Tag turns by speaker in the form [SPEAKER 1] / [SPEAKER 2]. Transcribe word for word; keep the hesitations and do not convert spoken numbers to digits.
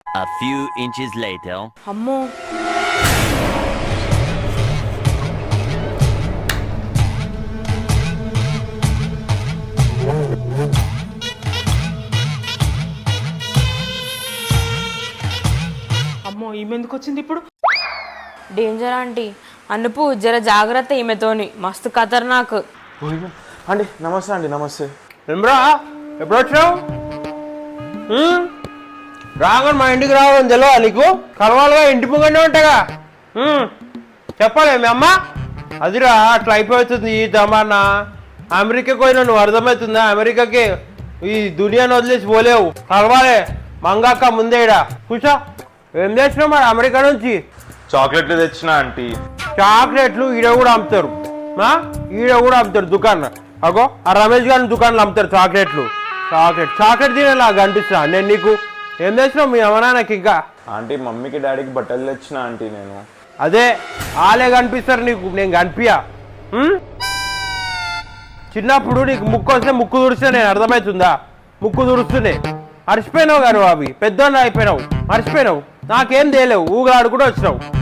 [SPEAKER 1] A few inches later.
[SPEAKER 2] అమ్మో అమ్మో ఈమె ఎందుకు వచ్చింది ఇప్పుడు? డేంజర్ ఆంటీ, అనుపు జర జాగ్రత్త ఈమెతోని, మస్తు ఖతర్నాక్.
[SPEAKER 3] అండి నమస్తే అండి. నమస్తే.
[SPEAKER 4] ఏమ్రా ఎప్పుడు వచ్చావు? రాగానే మా ఇంటికి రావడం తెలియదా నీకు? కలవాలుగా ఇంటి ముంగనే ఉంటాగా. చెప్పాలి మీ అమ్మ. అదిరా అట్లా అయిపోతుంది ఈ జమానా. అమెరికాకి పోయినా నువ్వు అర్థమవుతుందా? అమెరికాకి ఈ దునియాను వదిలేసి పోలేవు. కలవాలి మంగాక ముందేడా. కూర్చో. ఏం చేసినావు మరి అమెరికా నుంచి?
[SPEAKER 3] చాక్లెట్లు తెచ్చిన ఆంటీ.
[SPEAKER 4] చాక్లెట్లు ఈడ కూడా అమ్ముతారు, ఈడ కూడా అమ్ముతారు దుకాణం. అగో ఆ రమేష్ గారి దుకాణంలో అమ్ముతారు చాక్లెట్లు. చాక్లెట్ చాక్లెట్ తినేలా కనిపిస్తున్నా నేను నీకు. ఏం చేసినావు మీ అమ్మనాన్నకి? ఇంకా
[SPEAKER 3] ఆంటీ మమ్మీకి డాడీకి బట్టలు తెచ్చిన ఆంటీ నేను.
[SPEAKER 4] అదే వాళ్ళే కనిపిస్తారు నీకు, నేను కనిపించా. చిన్నప్పుడు నీకు ముక్కు వస్తే ముక్కు తుడిస్తే నేను అర్థమవుతుందా? ముక్కు తుడుస్తూనే మర్చిపోయినావు గారు అవి పెద్దోళ్ళు అయిపోయినావు, మర్చిపోయినావు. నాకేం తేలేవు, ఊగాడు కూడా వచ్చినావు.